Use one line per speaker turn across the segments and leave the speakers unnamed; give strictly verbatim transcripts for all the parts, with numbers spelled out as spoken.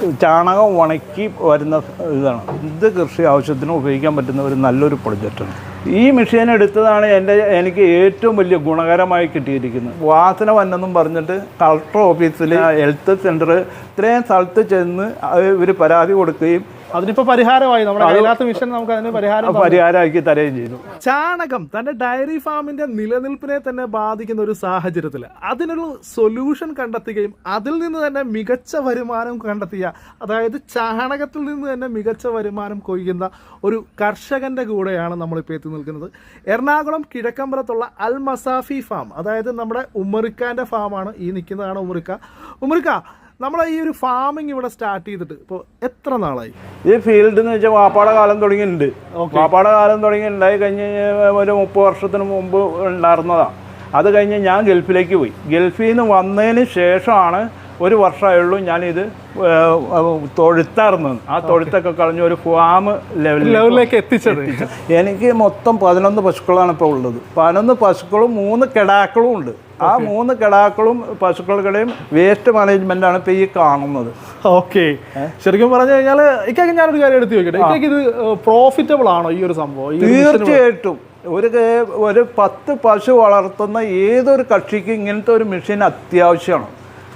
ചാണകം ഉണക്കി വരുന്ന ഇതാണ്. ഇത് കൃഷി ആവശ്യത്തിന് ഉപയോഗിക്കാൻ പറ്റുന്ന ഒരു നല്ലൊരു പ്രൊജക്റ്റാണ്. ഈ മെഷീൻ എടുത്തതാണ് എൻ്റെ എനിക്ക് ഏറ്റവും വലിയ ഗുണകരമായി കിട്ടിയിരിക്കുന്നത്. വാസന വന്നെന്നും പറഞ്ഞിട്ട് കളക്ടർ ഓഫീസിൽ ഹെൽത്ത് സെൻറ്റർ ഇത്രയും സ്ഥലത്ത് ചെന്ന് ഇവർ പരാതി കൊടുക്കുകയും
അതിനിപ്പോൾ പരിഹാരമായി. നമ്മുടെ കൈലാത്ത മിഷൻ നമുക്ക് അതിന് പരിഹാരം
പരിഹാരമാക്കി തരുകയും ചെയ്തു.
ചാണകം തൻ്റെ ഡയറി ഫാമിൻ്റെ നിലനിൽപ്പിനെ തന്നെ ബാധിക്കുന്ന ഒരു സാഹചര്യത്തിൽ അതിനൊരു സൊല്യൂഷൻ കണ്ടെത്തുകയും അതിൽ നിന്ന് തന്നെ മികച്ച വരുമാനം കണ്ടെത്തിയ, അതായത് ചാണകത്തിൽ നിന്ന് തന്നെ മികച്ച വരുമാനം കൊയ്യുന്ന ഒരു കർഷകൻ്റെ കൂടെയാണ് നമ്മളിപ്പോൾ എത്തി നിൽക്കുന്നത്. എറണാകുളം കിഴക്കമ്പലത്തുള്ള അൽ മസാഫി ഫാം, അതായത് നമ്മുടെ ഉമ്മറിക്കാൻ്റെ ഫാമാണ് ഈ നിൽക്കുന്നതാണ്. ഉമ്മറിക്ക ഉമ്മറിക്ക നമ്മളെ ഈ ഒരു ഫാമിംഗ് ഇവിടെ സ്റ്റാർട്ട് ചെയ്തിട്ട് ഇപ്പോൾ എത്ര നാളായി?
ഈ ഫീൽഡ് എന്ന് വെച്ചാൽ വാപ്പാടെ കാലം തുടങ്ങിയിട്ടുണ്ട്. വാപ്പാടെ കാലം തുടങ്ങി ഉണ്ടായി കഴിഞ്ഞ് ഒരു മുപ്പത് വർഷത്തിന് മുമ്പ് ഉണ്ടായിരുന്നതാണ്. അത് കഴിഞ്ഞ് ഞാൻ ഗൾഫിലേക്ക് പോയി. ഗൾഫിൽ നിന്ന് വന്നതിന് ശേഷമാണ് ഒരു വർഷമായുള്ളൂ ഞാനിത് തൊഴുത്തായിരുന്നത്. ആ തൊഴുത്തൊക്കെ കളഞ്ഞ് ഒരു ഫാം
ലെവലിലേക്ക് എത്തിച്ചത്.
എനിക്ക് മൊത്തം പതിനൊന്ന് പശുക്കളാണ് ഇപ്പോൾ ഉള്ളത്. പതിനൊന്ന് പശുക്കളും മൂന്ന് കിടാക്കളും ഉണ്ട്. ആ മൂന്ന് കിടാക്കളും പശുക്കളുടെയും വേസ്റ്റ് മാനേജ്മെന്റാണ് ഇപ്പോൾ ഈ കാണുന്നത്.
ഓക്കെ, ശരിക്കും പറഞ്ഞു കഴിഞ്ഞാൽ ഇക്കൊക്കെ ഞാനൊരു കാര്യം എടുത്ത് ചോദിക്കട്ടെ, ഇക്കൊക്കെ ഇത് പ്രോഫിറ്റബിൾ ആണോ ഈ ഒരു സംഭവം?
തീർച്ചയായിട്ടും. ഒരു ഒരു പത്ത് പശു വളർത്തുന്ന ഏതൊരു കക്ഷിക്കും ഇങ്ങനത്തെ ഒരു മെഷീൻ അത്യാവശ്യമാണ്.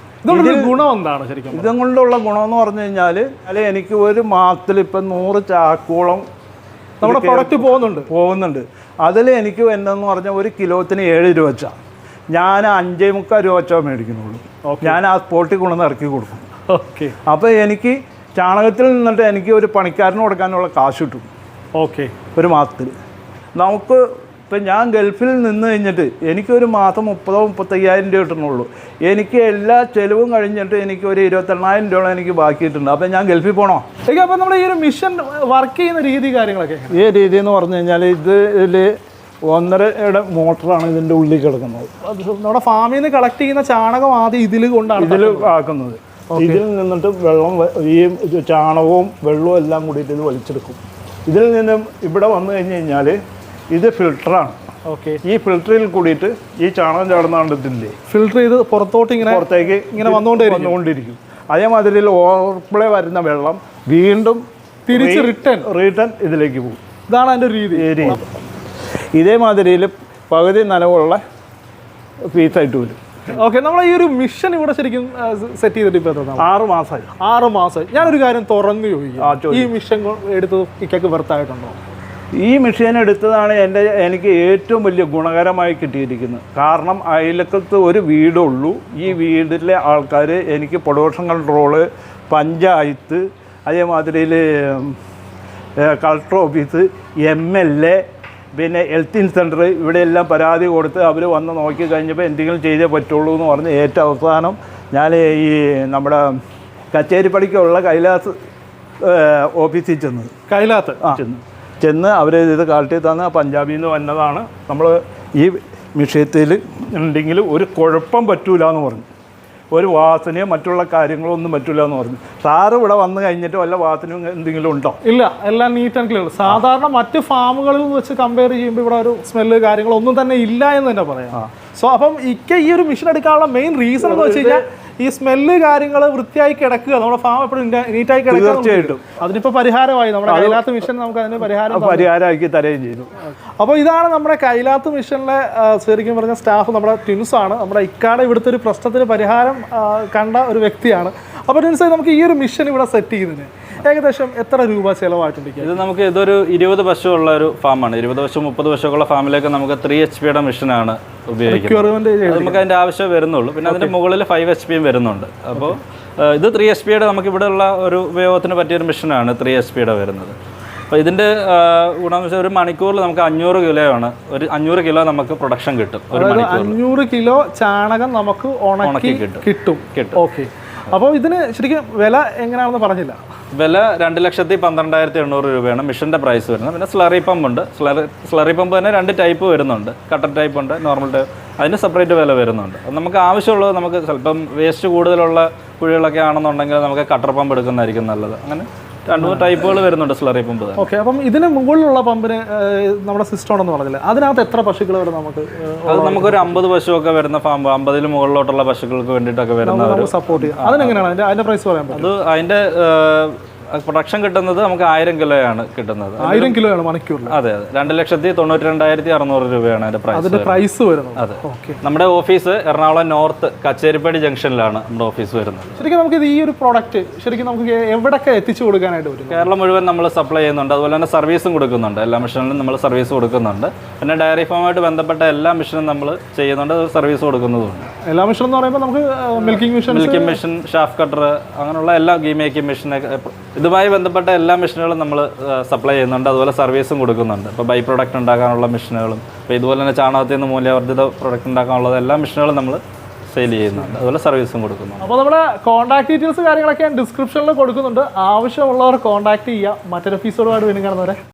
ഗുണം എന്താണ് ശരിക്കും?
ഇതുകൊണ്ടുള്ള ഗുണമെന്ന് പറഞ്ഞു കഴിഞ്ഞാൽ അല്ലെ എനിക്ക് ഒരു മാസത്തിൽ ഇപ്പം നൂറ് ചാക്കോളം
നമ്മുടെ പ്രൊഡക്റ്റ് പോകുന്നുണ്ട്
പോകുന്നുണ്ട് അതിൽ എനിക്ക് എന്നു പറഞ്ഞാൽ ഒരു കിലോത്തിന് ഏഴ് രൂപ വെച്ചാണ്. ഞാൻ അഞ്ചേ മുക്കാൽ രൂപ വെച്ചാൽ മേടിക്കുന്നുള്ളൂ. ഞാൻ ആ സ്പോട്ടിൽ കൊണ്ടുവന്ന് ഇറക്കി കൊടുക്കും.
ഓക്കെ,
അപ്പോൾ എനിക്ക് ചാണകത്തിൽ നിന്നിട്ട് എനിക്ക് ഒരു പണിക്കാരന് കൊടുക്കാനുള്ള കാശ് കിട്ടും.
ഓക്കെ,
ഒരു മാസത്തിൽ. നമുക്ക് ഇപ്പം ഞാൻ ഗൾഫിൽ നിന്ന് കഴിഞ്ഞിട്ട് എനിക്കൊരു മാസം മുപ്പതോ മുപ്പത്തയ്യായിരം രൂപ കിട്ടണുള്ളൂ. എനിക്ക് എല്ലാ ചെലവും കഴിഞ്ഞിട്ട് എനിക്ക് ഒരു ഇരുപത്തെണ്ണായിരം രൂപ എനിക്ക് ബാക്കിയിട്ടുണ്ട്. അപ്പം ഞാൻ ഗൾഫിൽ പോകണോ?
അപ്പം നമ്മൾ ഈ ഒരു മിഷൻ വർക്ക് ചെയ്യുന്ന രീതി കാര്യങ്ങളൊക്കെ
ഈ രീതി എന്ന് പറഞ്ഞു കഴിഞ്ഞാൽ ഇത് ഇതിൽ ഒന്നരയുടെ മോട്ടറാണ് ഇതിൻ്റെ ഉള്ളിൽ കിടക്കുന്നത്.
നമ്മുടെ ഫാമിൽ നിന്ന് കളക്ട് ചെയ്യുന്ന ചാണകം ആദ്യം ഇതിൽ കൊണ്ടാണ്
ഇതിൽ ആക്കുന്നത്. ഇതിൽ നിന്നിട്ട് വെള്ളം ഈ ചാണകവും വെള്ളവും എല്ലാം കൂടിയിട്ട് ഇത് വലിച്ചെടുക്കും. ഇതിൽ നിന്നും ഇവിടെ വന്നു കഴിഞ്ഞ് കഴിഞ്ഞാൽ ഇത് ഫിൽറ്ററാണ്.
ഓക്കെ,
ഈ ഫിൽറ്ററിൽ കൂടിയിട്ട് ഈ ചാണകം ചാടുന്ന കണ്ടിട്ടില്ലേ,
ഫിൽറ്റർ ചെയ്ത് പുറത്തോട്ട് ഇങ്ങനെ
പുറത്തേക്ക്
ഇങ്ങനെ വന്നുകൊണ്ടേ
വന്നുകൊണ്ടിരിക്കും. അതേമാതിരി ഓവർപ്ലേ വരുന്ന വെള്ളം വീണ്ടും
തിരിച്ച് റിട്ടേൺ
റിട്ടേൺ ഇതിലേക്ക് പോകും.
ഇതാണ് അതിൻ്റെ രീതി.
ഇതേമാതിരിയിൽ പകുതി നനവുള്ള പീസായിട്ട് വരും.
ഓക്കെ, നമ്മൾ ഈ ഒരു മിഷൻ ഇവിടെ ശരിക്കും സെറ്റ് ചെയ്തിട്ട് ഇപ്പോൾ
ആറ് മാസമായി
ആറ് മാസമായി ഞാനൊരു കാര്യം തുറന്നു ചോദിക്കും, ഈ മിഷൻ എടുത്ത് ഇക്കൊക്കെ വെർത്തായിട്ടുണ്ടോ?
ഈ മെഷീൻ എടുത്തതാണ് എൻ്റെ എനിക്ക് ഏറ്റവും വലിയ ഗുണകരമായി കിട്ടിയിരിക്കുന്നത്. കാരണം അയലക്കത്ത് ഒരു വീടുള്ളൂ. ഈ വീട്ടിലെ ആൾക്കാർ എനിക്ക് പ്രൊഡക്ഷൻ കൺട്രോള്, പഞ്ചായത്ത്, അതേമാതിരി collector office, M L A, പിന്നെ ഹെൽത്ത് സെൻറ്റർ, ഇവിടെയെല്ലാം പരാതി കൊടുത്ത് അവർ വന്ന് നോക്കി കഴിഞ്ഞപ്പോൾ എന്തെങ്കിലും ചെയ്തേ പറ്റുള്ളൂ എന്ന് പറഞ്ഞ് ഏറ്റവും അവസാനം ഞാൻ ഈ നമ്മുടെ കച്ചേരിപ്പടിക്കുള്ള കൈലാസ് ഓഫീസിൽ ചെന്ന്
കൈലാത്ത്
ആ ചെന്ന് ചെന്ന് അവർ ഇത് കാട്ടി തന്ന് പഞ്ചാബിൽ നിന്ന് വന്നതാണ്. നമ്മൾ ഈ വിഷയത്തിൽ ഉണ്ടെങ്കിൽ ഒരു കുഴപ്പം പറ്റൂല എന്ന് പറഞ്ഞു. ഒരു വാസനയോ മറ്റുള്ള കാര്യങ്ങളോ ഒന്നും പറ്റില്ല എന്ന് പറഞ്ഞു. സാറ് ഇവിടെ വന്നു കഴിഞ്ഞിട്ട് വല്ല വാസനയും എന്തെങ്കിലും ഉണ്ടോ?
ഇല്ല, എല്ലാം നീറ്റ് ആൻഡ് ക്ലിയർ. സാധാരണ മറ്റ് ഫാമുകളിൽ വെച്ച് കമ്പയർ ചെയ്യുമ്പോൾ ഇവിടെ ഒരു സ്മെല്ല് കാര്യങ്ങളൊന്നും തന്നെ ഇല്ല എന്ന് തന്നെ പറയാം. സോ അപ്പം ഇക്ക ഈ ഒരു മിഷൻ എടുക്കാനുള്ള മെയിൻ റീസൺ എന്ന് വെച്ച് കഴിഞ്ഞാൽ ഈ സ്മെല്ല് കാര്യങ്ങൾ വൃത്തിയായി കിടക്കുക, നമ്മുടെ ഫാം എപ്പോഴും നീറ്റായി കിടക്കുക.
തീർച്ചയായിട്ടും
അതിനിപ്പോൾ പരിഹാരമായി. നമ്മുടെ കൈലാത്ത് മിഷൻ നമുക്ക് അതിന് പരിഹാരം
പരിഹാരമാക്കി തരുകയും ചെയ്തു.
അപ്പോൾ ഇതാണ് നമ്മുടെ കൈലാത്ത് മിഷനിലെ ശരിക്കും പറഞ്ഞ സ്റ്റാഫ്, നമ്മുടെ ട്വിൻസാണ്. നമ്മുടെ ഇക്കാടെ ഇവിടുത്തെ ഒരു പ്രശ്നത്തിന് പരിഹാരം കണ്ട ഒരു വ്യക്തിയാണ്. അപ്പോൾ ട്വിൻസ്, നമുക്ക് ഈ ഒരു മിഷൻ ഇവിടെ സെറ്റ് ചെയ്യുന്നതിന് ഏകദേശം എത്ര രൂപ ചിലവായിട്ടുണ്ട്?
ഇത് നമുക്ക് ഇതൊരു ഇരുപത് പശു ഉള്ള ഒരു ഫാമാണ്. ഇരുപത് പശു മുപ്പത് പശുള്ള ഫാമിലേക്ക് നമുക്ക് ത്രീ എച്ച് പിയുടെ മെഷീനാണ് ഉപയോഗിക്കുന്നത്. നമുക്ക് അതിൻ്റെ ആവശ്യം വരുന്നുള്ളൂ. പിന്നെ അതിൻ്റെ മുകളിൽ ഫൈവ് എച്ച് പിയും വരുന്നുണ്ട്. അപ്പോൾ ഇത് ത്രീ എച്ച് പിയുടെ നമുക്ക് ഇവിടെ ഉള്ള ഒരു ഉപയോഗത്തിന് പറ്റിയൊരു മെഷീനാണ് ത്രീ എച്ച് പിയുടെ വരുന്നത്. അപ്പോൾ ഇതിൻ്റെ ഗുണമെന്ന് വെച്ചാൽ ഒരു മണിക്കൂറിൽ നമുക്ക് അഞ്ഞൂറ് കിലോ ആണ് ഒരു അഞ്ഞൂറ് കിലോ നമുക്ക് പ്രൊഡക്ഷൻ കിട്ടും. ഒരു മണിക്കൂർ
അഞ്ഞൂറ് കിലോ ചാണകം നമുക്ക് ഉണക്കി കിട്ടും കിട്ടും കിട്ടും ഓക്കെ. അപ്പോൾ ഇതിന് ശരിക്കും വില എങ്ങനെയാണെന്ന് പറഞ്ഞില്ല.
വില രണ്ട് ലക്ഷത്തി പന്ത്രണ്ടായിരത്തി എണ്ണൂറ് രൂപയാണ് മിഷൻ്റെ പ്രൈസ് വരുന്നത്. പിന്നെ സ്ലറി പമ്പ് ഉണ്ട്. സ്ലറി സ്ലറി പമ്പ് തന്നെ രണ്ട് ടൈപ്പ് വരുന്നുണ്ട്. കട്ടർ ടൈപ്പ് ഉണ്ട്, നോർമൽ ടൈപ്പ്. അതിന് സെപ്പറേറ്റ് വില വരുന്നുണ്ട്. അത് നമുക്ക് ആവശ്യമുള്ളത് നമുക്ക് ചിലപ്പം വേസ്റ്റ് കൂടുതലുള്ള കുഴികളൊക്കെ ആണെന്നുണ്ടെങ്കിൽ നമുക്ക് കട്ടർ പമ്പ് എടുക്കുന്നതായിരിക്കും നല്ലത്. അങ്ങനെ രണ്ട് മൂന്ന് ടൈപ്പുകൾ വരുന്നുണ്ട് സ്ലറി പമ്പ്.
ഓക്കെ, അപ്പം ഇതിന് മുകളിലുള്ള പമ്പിന് നമ്മുടെ സിസ്റ്റം ഉണ്ടെന്ന് പറഞ്ഞില്ല, അതിനകത്ത് എത്ര പശുക്കൾ വരെ നമുക്ക്
അത് നമുക്കൊരു അമ്പത് പശുവൊക്കെ വരുന്ന ഫാം, അമ്പതിന് മുകളിലോട്ടുള്ള പശുക്കൾക്ക് വേണ്ടിയിട്ടൊക്കെ വരുന്ന
സപ്പോർട്ട് ചെയ്യാം. അതിനെങ്ങനെയാണ് അതിന്റെ അതിന്റെ പ്രൈസ് പറയാൻ പറ്റും?
അത് അതിന്റെ പ്രൊഡക്ഷൻ കിട്ടുന്നത് നമുക്ക് ആയിരം കിലോയാണ് കിട്ടുന്നത്.
ആയിരം കിലോയാണ് മണിക്കൂറിൽ?
അതെ അതെ, രണ്ട് ലക്ഷത്തി തൊണ്ണൂറ്റി രണ്ടായിരത്തി അറുന്നൂറ് രൂപയാണ് അതിന്റെ പ്രൈസ്.
അതിന്റെ പ്രൈസ് വരുന്നത്.
അതെ, നമ്മുടെ ഓഫീസ് എറണാകുളം നോർത്ത് കച്ചേരിപ്പടി ജംഗ്ഷനിലാണ് നമ്മുടെ ഓഫീസ് വരുന്നത്.
ശരിക്കും നമുക്ക് ഈ ഒരു പ്രോഡക്റ്റ് ശരിക്കും നമുക്ക് എവിടെയൊക്കെ എത്തിച്ചു കൊടുക്കാനായിട്ട് പറ്റും?
കേരളം മുഴുവൻ നമ്മൾ സപ്ലൈ ചെയ്യുന്നുണ്ട്, അതുപോലെ തന്നെ സർവീസും കൊടുക്കുന്നുണ്ട്. എല്ലാ മെഷീനിലും നമ്മൾ സർവീസ് കൊടുക്കുന്നുണ്ട്. പിന്നെ ഡയറി ഫാമുമായിട്ട് ബന്ധപ്പെട്ട എല്ലാ മെഷീനും നമ്മൾ ചെയ്യുന്നുണ്ട്, സർവീസ് കൊടുക്കുന്നതുണ്ട്.
എല്ലാ മെഷീൻ എന്ന് പറയുമ്പോൾ നമുക്ക് milking machine,
milking machine, chaff cutter, അങ്ങനെയുള്ള എല്ലാ ഗീ മേക്കിംഗ് മെഷീൻ, ഇതുമായി ബന്ധപ്പെട്ട എല്ലാ മെഷീനുകളും നമ്മൾ സപ്ലൈ ചെയ്യുന്നുണ്ട്. അതുപോലെ സർവീസും കൊടുക്കുന്നുണ്ട്. ഇപ്പോൾ ബൈ പ്രൊഡക്റ്റ് ഉണ്ടാക്കാനുള്ള മെഷീനുകളും, ഇപ്പോൾ ഇതുപോലെ തന്നെ ചാണകത്തിൽ നിന്ന് മൂല്യവർദ്ധിത പ്രൊഡക്റ്റ് ഉണ്ടാക്കാനുള്ളത് എല്ലാ മെഷീനുകളും നമ്മൾ സെയിൽ ചെയ്യുന്നുണ്ട്. അതുപോലെ സർവീസും കൊടുക്കുന്നുണ്ട്.
അപ്പോൾ നമ്മുടെ കോൺടാക്ട് ഡീറ്റെയിൽസ് കാര്യങ്ങളൊക്കെ ഞാൻ ഡിസ്ക്രിപ്ഷനിൽ കൊടുക്കുന്നുണ്ട്. ആവശ്യമുള്ളവർ കോൺടാക്ട് ചെയ്യുക. മറ്റൊരു എപ്പിസോഡുമായിട്ട് വീണ്ടും കാണുന്നവരെ